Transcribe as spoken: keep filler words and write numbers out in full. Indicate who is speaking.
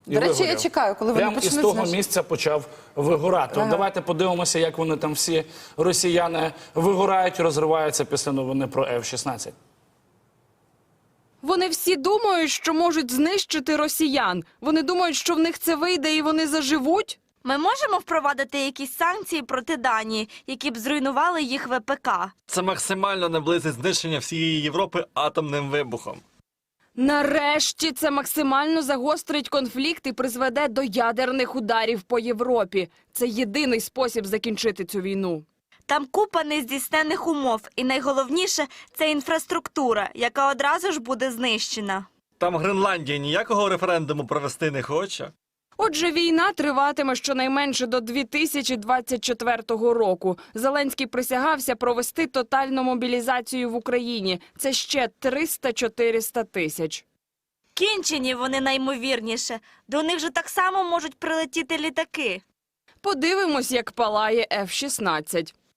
Speaker 1: До речі, я чекаю, коли вони
Speaker 2: Прямо
Speaker 1: почнуть.
Speaker 2: із того
Speaker 1: значить...
Speaker 2: місця почав вигорати.
Speaker 1: Ага.
Speaker 2: От давайте подивимося, як вони там всі росіяни вигорають, розриваються після новини про еф шістнадцять.
Speaker 3: Вони всі думають, що можуть знищити росіян. Вони думають, що в них це вийде і вони заживуть.
Speaker 4: Ми можемо впровадити якісь санкції проти Данії, які б зруйнували їх ве пе ка?
Speaker 5: Це максимально наблизить знищення всієї Європи атомним вибухом.
Speaker 3: Нарешті це максимально загострить конфлікт і призведе до ядерних ударів по Європі. Це єдиний спосіб закінчити цю війну.
Speaker 4: Там купа нездійсненних умов. І найголовніше – це інфраструктура, яка одразу ж буде знищена.
Speaker 5: Там Гренландія ніякого референдуму провести не хоче.
Speaker 3: Отже, війна триватиме щонайменше до дві тисячі двадцять четвертого року. Зеленський присягався провести тотальну мобілізацію в Україні. Це ще триста-чотириста тисяч.
Speaker 4: Кінчені вони наймовірніше. До них же так само можуть прилетіти літаки.
Speaker 3: Подивимось, як палає еф шістнадцять.